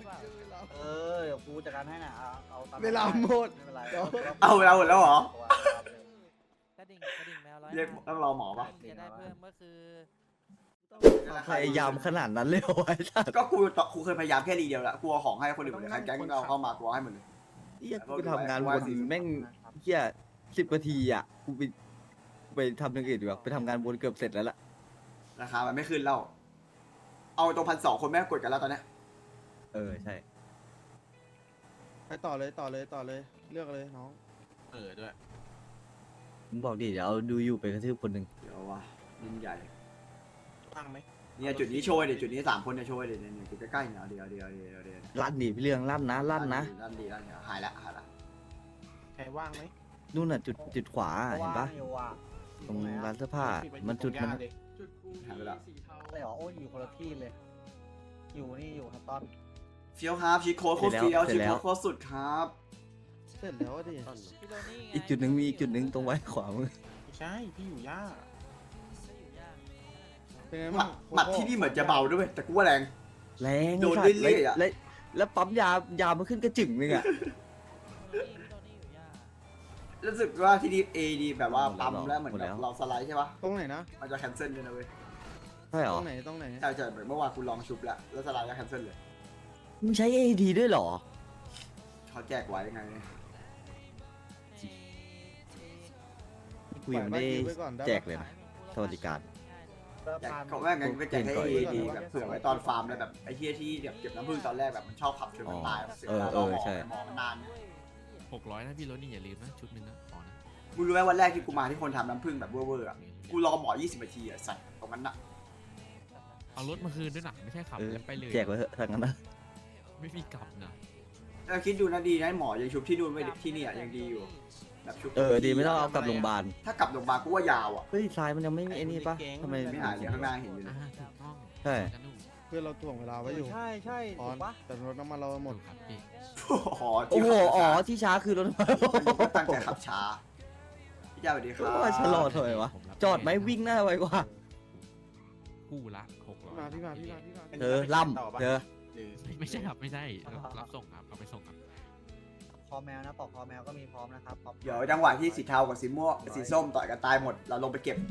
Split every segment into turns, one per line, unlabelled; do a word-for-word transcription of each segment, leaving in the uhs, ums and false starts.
ปล่า
เออเดี๋ยวกูจัดการให้นะเอาเอาตาม
เวลาหมด
ไม่เป็นไร
เอาเวลาหมดแล้วเหรอ
กระดิ่งกระดิ่งแมวร้อย
เรียกต้องรอหมอปะ
จะได้เพิ่มก็คือ
พยายามขนาดนั้นเลยไอ้สัส
ก็กูต่อกูเคยพยายามแค่รีเดียวละกูเอาของให้คนอื่นหมดเลยใครแก๊งเราเข้ามากูเอาให้หมดเลย
เฮียกูไปทำงานวนแม่งเฮียสิบนาทีอ่ะกูไปกูไปทำอย่างอื่นดีกว่าไปทำงานวนเกือบเสร็จแล้วล่ะ
ราคามันไม่ขึ้นแล้วเอาตรงพันสองคนแม่งกดกันแล้วตอนเนี้ย
เออใช่
ไปต่อเลยต่อเลยต่อเลยเลือกเลยน้อง
เออด้วย
มึงบอกดิเดี๋ยวเอาดูอยู่ไปกระทืบคนหนึ่ง
เดี๋ยววะยิ่งใหญ่
ตั้งไหม
เนี่ยจุดนี้โชว์เดี๋ยวจุดนี้สามคนเนี่ยโชว์เดี๋ยวเนี่ยจุดใกล้ๆเนี่ยเดี๋ยวเดี๋ยวเดี๋ยวเดี๋ยว
ลั่นดิพี่เรื่องลั่นนะลั่นนะ
ลั่นดีลั่นดีหายละหายละ
ใครว่างไหม
นู่นน่ะจุดจุดขวาเห็นปะ
อยู่ว่ะ
ตรงร้านเสื้อผ้ามันจุดมัน
หายไปละ
ไอ้หรอโอ้ยอยู่คนละที่เลย อยู่นี่อยู่ครับตอน
เฟี้ยวครับชีโค้ดโคตรเฟี้ยวชีโค้ดโคตรสุดครับ
เสร็จแล้วดิ
พี่โรนี่ไง
อีกจุดหนึ่งมีอีกจุดหนึ่งตรงไว้ขวามือ
ไม่ใช่พี่อยู่ย่า
ก็อยู่ยาก
เป็นไง
หมั
บ้า
ด
ง
หมัดที่นี่เหมือนจะเบาด้วยแต่กูว่าแรง
แรง
โดน
ไอ้สัตว์
เรื่อยๆอะ
แล้วแล้วปั๊มยายามันขึ้นกระจึงนึงอ่ะ
พี่โรนี่พี่โรนี่อยู่ยาก
รู้สึกว่าที่นี่เอดีแบบว่า
หมดแล้ว
ปั๊มแล้วเหมือน
หมด
แบ
แล้ว
บเราสไลด์ใช่ปะ
ตรงไหนนะ
มันจะแคนเซิลด้วยนะเว้ย
ใช่หร
ต
อ
รงไหนตรงไหน
ใช่ใช่เหมือนเมื่อวานกูลองชุบแล้วแล้วสไลด์ก็แคนเซิลเลย
มึงใช้เอดีด้วยเหรอ
เขาแจกไว้ยังไง
กูยังไม่ได้แจกเลยนะสวัสดิการ
อยากเขาแม่งงั้นก็แจกให้เอดีแบบเผื่อไว้ตอนฟาร์มแล้วแบบไอ้เฮียที่แบบเก็บน้ำผึ้งตอนแรกแบบมันชอบขับชนมันตายแบบเสียเวลา
เอ
รอ
อ
หมอ
ใช่
หมอมันนาน
หกร้อยนะพี่รถนี่อย่าลืมนะชุดหนึ่งนะขอนะ
มึงรู้ไหมวันแรกที่กูมาที่คนทำน้ำผึ้งแบบเวอร์ๆอ่ะกูรอหมอยี่สิบนาทีอ่ะสัตว์ตรงนั้นอ่ะ
เอารถมาคืนด้วยนะไม่ใช่ขับ
เออ
แล้วไปเลย
แจกไว้เถอะทางนั้นนะ
ไม่มีกลับนะ
แล้วคิดดูนะดีนะหมอยังชุบที่นู่นไม่ที่นี่อ่ะยังดีอยู่แบบชุบ
เออดีไม่ต้องเอากลับโรงพยาบาล
ถ้ากลับโรงพยาบาลกูว่ายาวอ่ะ
เฮ้ยทรายมันยังไม่ไอ้นี่ปะทำไม
ไม่หายเลยข้างหน้าเห็นอยู่เลย
อ่าถูกต้อง
ใช่
กันนู่น
เพื่อนเราถ่วงเวลาไว้อยู่
ใช่ใช่
ต
ถู
อน
กปะ
แต่รถน้ำมันเราหมด
ถูกครับพี่
โอ้โห
โอ้โหอ๋อที่ช้าคือรถไฟ
ตั้งใจขับช้าพี่เจ้าสวัสดีครับ
ว่าชะลอทำไมวะ
ผมรับ
จอดไหมวิ่งหน้าไวกว่า
คู่ละหกร้อย
มาพี่มาพี่มาพี่มา
เธอล่ำเธอ
หรือ
ไม่ไม่ใช่ครับไม่ใช่รับส่งครับเอาไปส่งครับ
คอแมวนะปอกคอแมวก็มีพร้อมนะครับพร้อม
เดี๋ยวจังหวะที่สีเทากับสีม่วงสีส้มต่อยกันตายหมดเราลงไปเก็บ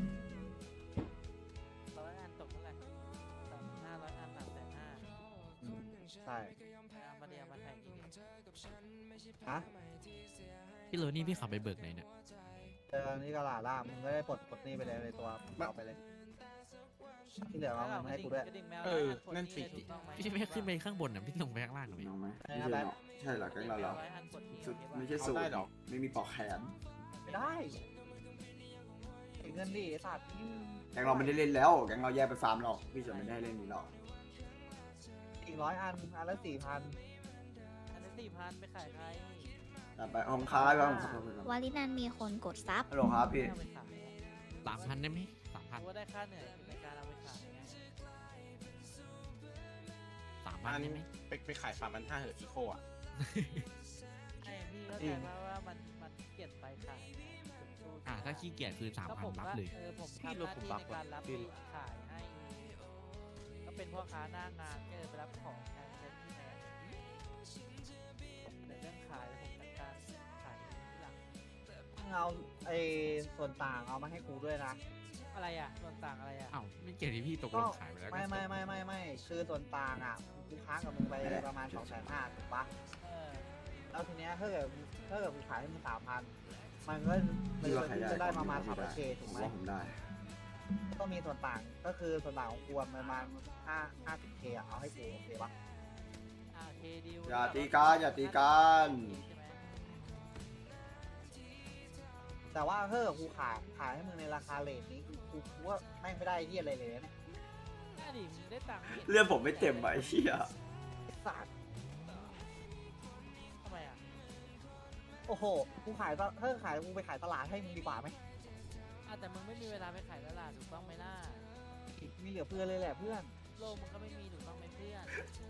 ร้อยอันตกเท่าไหร่สามห้าร้อยอันสามแสนห้า
ใช่
เอามาเดียวมาแทงอีก
ฮะ
พี่รถนี่พี่ขับไปเบิกไหนเนี่ย
เจอนี่ก็ลาล่ามึงก็ได้ปลดปลดหนี่ไปเลยในตัวเอาไปเลย ที่เหลือเอามาให้กูด้วย
กระดิ่งแมว
เออ
ร้ย
นั่นสิ
ถูกต้องไหม
พี่ไม่ขึ้นไปข้างบนนะพี่ลงไปข้างล่างหน่อย
น้องไหม
ใช่
ไม่
นะ
ใช่
แบ๊ก
เนาะใช่เหรอแก๊งเราเหรอ
ร้อยอันกดที
สุด
โอเคปะ
ไม่ใช่สูต
เอาได้
ร
เหรอ
ไม่มีปลอกแขน
ไม่ได้เก็บเงินดิไอ้สัตว์
แก๊งเราไม่ได้เล่นแล้วแก๊งเราแยกไปฟาร์มหรอกพี่จะไม่ได้เล่นนี้หรอก
อีกร้อยอันอันละสี่พัน
อันนี้สี่พันไปขายใคร
แต่ไปห้องค้าไปห้องค้าว
าลินันมีคนกดซับ
ฮัลโหลครับพี่
เอาไปขายอะ
สามพันได้ไหมสามพัน
กูว่าได้ค่าเหนื่อยในการเอาไปขายไง
สามพัน
อัน
ได้ไหม
ไปไปขายสามพันห้าเหอะอีโคอ่ะ
ไอ้พี่เข้าใจว่าว่ามันมันเกลียดไปขายไงผมสู้
อ่าถ้าขี้เกียจคือสาม
ก็
พัน
ผม
รับ
ว่า
เลย
เออผม
พี่
ทำห
รถ
น้า
ผม
ที่
บั
ใน
ฟ
การรับ
พี่
ไปขายให้ ก็เป็นพ่อค้าหน้างานก็เลยไปรับของแทนเช่นที่แทนในเรื่องขายผมจัดการขายทีหลัง
มึงเอาไอ้ส่วนต่างเอามาให้กูด้วยนะ
อะไรอ่ะส่วนต่างอะไรอ่ะ
อ้าวไม่เกี่ยวที่พี่ตกลงขายไปแล้ว
ไม่ไม่ไม่ไม่ไม่คือส่วนต่างอ่ะกูค้างกับมึงไปประมาณสองแสนห้าถูกปะ
เออ
แล้วทีเนี้ยถ้าเกิดถ้าเกิดกูขายให้มึงสามพันมันก็มัน
พี่ว่าใคร
จะ
ได้
ได้ประมาณ
พี่
สาม
ได้
ร้อยเค
ผ
ถูก
ม
ไหม
ว่าผมได้
ก็มีส่วนต่างก็คือส่วนต่างของกูอะประมาณห้าห้าสิบเคอะเอาให้กูโอเคปะ
อ่าเคดิว
อย่าตีกันอย่าตีกัน
ใช่ไหม
แต่ว่าถ้าเกิดกูขายขายให้มึงในราคาเลทนี้กูกูกูว่าแม่งไม่ได้เยี่ยอะไรเลยนะเนี่ย
น่าดิมึงได้ตังค์ไม่ห็น
เรื่องผมไม่เต็มอะไอ้เหี้ย
ไอ้สัตว์
ทำไมอ่ะ
โอ้โหกูขายตถ้าขายกูไปขายตลาดให้มึงดีกว่าไหม
อ่ะแต่มึงไม่มีเวลาไปขายตลาดถูกต้องไหมล่ะ
มีเหลือเพื่อนเลยแหละเพื่อน
โลกมึงก็ไม่มีถูกต้องไหมเพื่อน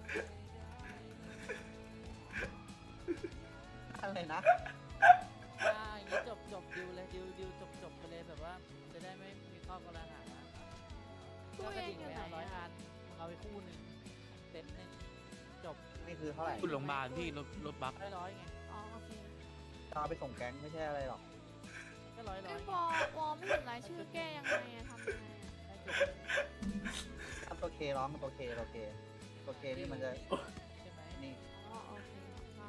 อะไรนะ
อ่าอย่างนี้จบจบดิวเลยดิวดิวจบจบไปเลยแบบว่าจะได้ไม่มีข้อกระหาก็กระดิ่งไปเอาร้อยอันมึงเอาไปคู่หนึ่งเต็นท์หนึ่งจบบ
นี่คือเท่าไหร่
คุณโรงพยาบาลพี่รถรถบัส
ร้อยร้อยไง
อ๋อโอเค
จะเอาไปส่งแก๊งไม่ใช่อะไรหรอก
ก็ร้อยร้
งั้
อย
นวอวอไม่เห็นรายชื่อแก้ยังไงอะทำยังไงอะ
ถ้าตัวเคร้องกับตัวเคตัวเคตัวเคนี่มันจะ
ใช่ไหม
นี่
อ๋อโอเคครับ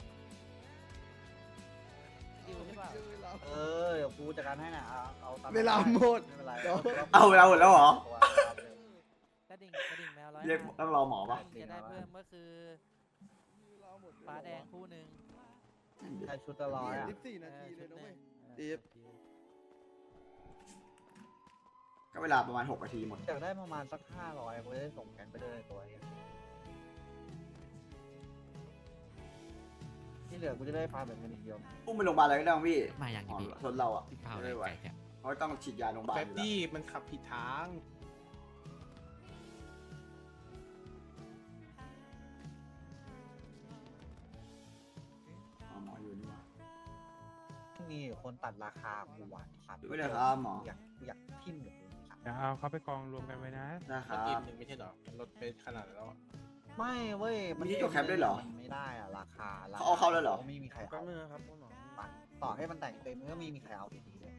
ดิวใช่ป่ะ
เออเดี๋ยวกูจัดการให้นะเอาเอาตาม
เวลาหมด
ไม่เป็นไร
เดี๋ยว
เอาเวลาหมดแล้วเหรอ
กระดิ่งกระดิ่งแมวร้อย
เรียก
ห้า
ต้องรอหมอปะ
จะได้เพิ่มก็คือฟ้าแดงคู่หนึ่ง
ใช้ชุดละร้อยอ่ะ
ยี่สิบสี่นาทีเลยนะเว้ย
เออ
ดิฟ
ก็เวลาประมาณหกนาทีหมด
อยากได้ประมาณสักห้าร้อยกูจะได้ส่งแก๊งไปด้วยในตัวเองที่เหลือกูจะได้ฟาร์มแบบเงินอย่างเดียว
อุ้มไปโรงพยาบาลอะไรก็ได้มั้งพี่
มาอย่าง
อ๋อ
นี้พี่
รถเราอ่ะ
พี่เป้า
ไม่
เล
ได้
ย
ไหว
ไก่แค่
เขาต้องฉีดยาโรงพยาบาล
แป๊บ
อยู่แล้ว
ดี้มันขับผิดทาง
อ๋อหมออยู่นี่หว่า
มีคนตัดราคากูหวานสัตว์
ไม่ได้ครับหมอ
อยากอยากทิ่มกับกูสัตว์
เดี๋ยวเอาเขาไปกองรวมกันไว้นะ
ได้ค
ก็
รั
กิน
บ
หนึ่งไม่ใช่เหรอรถไปขนาดนั้นแล้วอะ
ไม่เว้ย
มีที่จดแคปด้วยเหรอ
มันไม่ได้อ่ะราคา
เขาเอาเข้าแล้วเหรอ
ไม่มีใคร
แป๊
เอา
บนึงนะครับคุณหมอ
ปัดต่อให้มันแต่งเต็มก็ไม่มีใครเอาดีๆเลย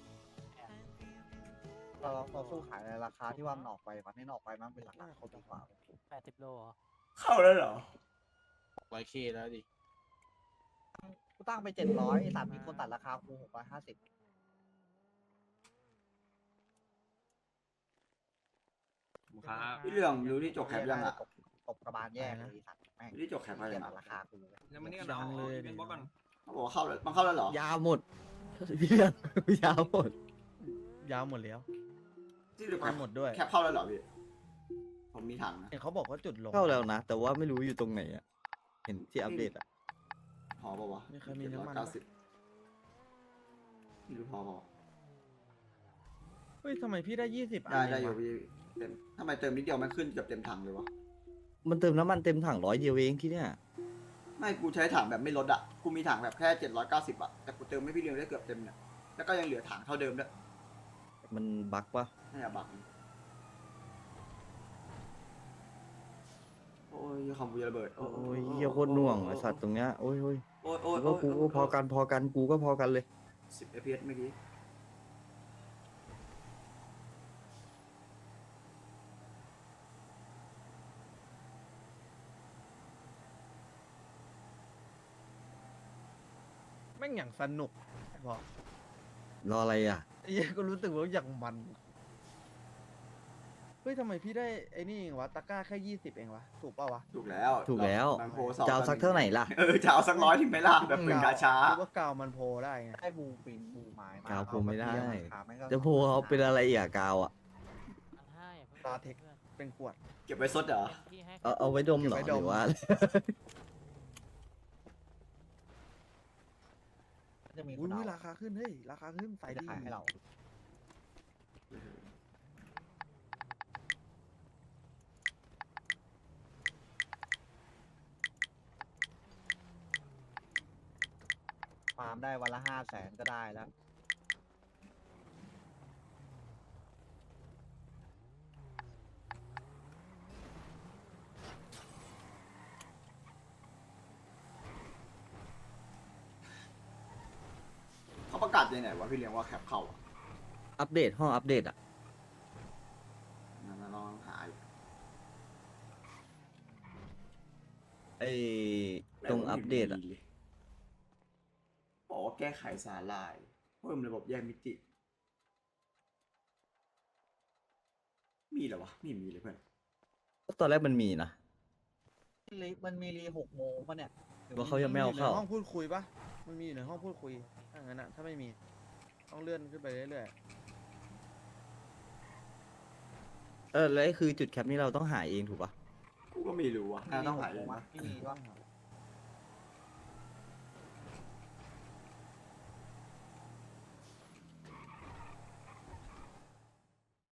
เราเราสู้ขายในราคาที่ว่ามันออกไปมันไม่ออกไปมันเป็นราคาเขาดีกว่า
แปดสิบโลเหรอ
เข้าแล้วเหรอ
ร้อยเคแล้วดิ
กูตั้งไปเจ็ดร้อยไอ้สัตว์มีคนตัดราคากูหกร้อยห้าสิบ
ครับ
พี่เรื่องรู้ที่จบแคปยังอ่ะ
ตบตบกระบาลแยกเลยไอ้สัตว์แม่ง
รู้ที่จบแคปอะไร
เปลี่ย
ยัง
น
อะ
ราคากู
แล้วมันนี่ก็
ยังเลย
เป็นบล็อกก่อน
เขาบอกว่าเข้าแล้วมันเข้าแล้วเหรอ
ยาวหมดพี่เรื่องยาวหมด
ยาวหมดแล้ว
ที่เหลือแค
มา
ป
หมดด้วย
แคปเข้าแล้วเหรอพี่ผมมีถังนะ
เห็นเขาบอกว่าจุดลง
เข้าแล้วนะ แต่ว่าไม่รู้อยู่ตรงไหนอ่ะ เห็นที่อัปเดตอ่ะ
พอปะวะ
มีใครมีน้ำมัน
เก้า
ปะ
สิบไม่รู้พอปะวะ
เฮ้ยทำไมพี่ได้ยี่สิบ
ได้ได้อยู่พี่เต็มทำไมเติมนิดเดียวมันขึ้นเกือบเต็มถังเลยวะ
มันเติมน้ำมันเต็มถังร้อยเดียวเองที่เนี่ย
ไม่กูใช้ถังแบบไม่ลดอ่ะกูมีถังแบบแค่เจ็ดร้อยเก้าสิบอ่ะแต่กูเติมให้พี่เลี้ยงได้เกือบเต็มเนี่ยแล้วก็ยังเหลือถังเท่าเดิมด้วย
มันบั๊กปะ
น่าจะบักนะโอ้ยคอมกูจะระเบิด
โอ้ยเหี้ยโคตรหน่วงไอสัตว์ตรงเนี้ยโอ้ยโอ้ย
โอ้ยโอ้ย
กูก็กูก็พอกันพอกันกูก็พอกันเลย
สิบเอฟพีเอสเมื่อกี้
แม่งอย่างสนุกบอก
รออะไรอ่ะ
ไอ้เหี้ยก็รู้สึกว่าอย่างมัน เฮ้ยทำไมพี่ได้ไอ้นี่เองวะตะกร้าแค่ยี่สิบเองวะ ถูกป่าวะ
ถูกแล้ว
ถูกแล้ว
มันโพลสอง
จะเอาสักเท่าไหร่ล่ะ
เออจะเอาสักร้อยถึงไหมล่ะแบบเป็นกาช้า
คิดว่ากาวมันโพได้ไง
ได้บูปินบูไม้มาก
าวผมไม่ได้
เอาาเทียบราคาแม่งก็
จะโพเอาเป็นอะไรอีกอะกาวอ่ะ
พันห้าอย่าเพิ่ง
ตาเทค เป็นขวด
เก็บไว้ซดเหรอ
เต็มที่ให้
เอาเอาไว้ดมเหรอ
เก็บไว้
ห
ดม
รือว่า
จะมีค
อุ้
น
ย
เอา
ราคาขึ้น เฮ้ย ราคาขึ้นใส่
จะ
ดี
ขายให้เราฟาร์มได้วันละห้าแสนก็ได้แล้ว
เขาประกาศยังไงวะพี่เลี้ยงว่าแคปเข้าอะ
อัปเดตห้องอัปเดตอ่ะ
นั่นนะลองหาอยู่
ไอตรงอัปเดตอ่ะ
บอกว่าแก้ไขสาลายเพิ่มระบบแยกมิติ มีเหรอวะไม่มีเลยเพื่อน
ตอนแรกมันมีนะ
รีมันมีรีหกโมงปะเนี่ย
ว่าเขายังไม่เอาเข้า
นห้องพูดคุยปะมันมีอยู่ในห้องพูดคุย ถ้างั้นอะถ้าไม่มี ต้องเลื่อนขึ้นไปเรื่อย
เออแล้วไอ้คือจุดแคปนี่เราต้องหาเองถูกปะ
กูก็ไม่รู้อะน่าต้องหาเอง
วะ
นะ
ไม่มีก็
ๆ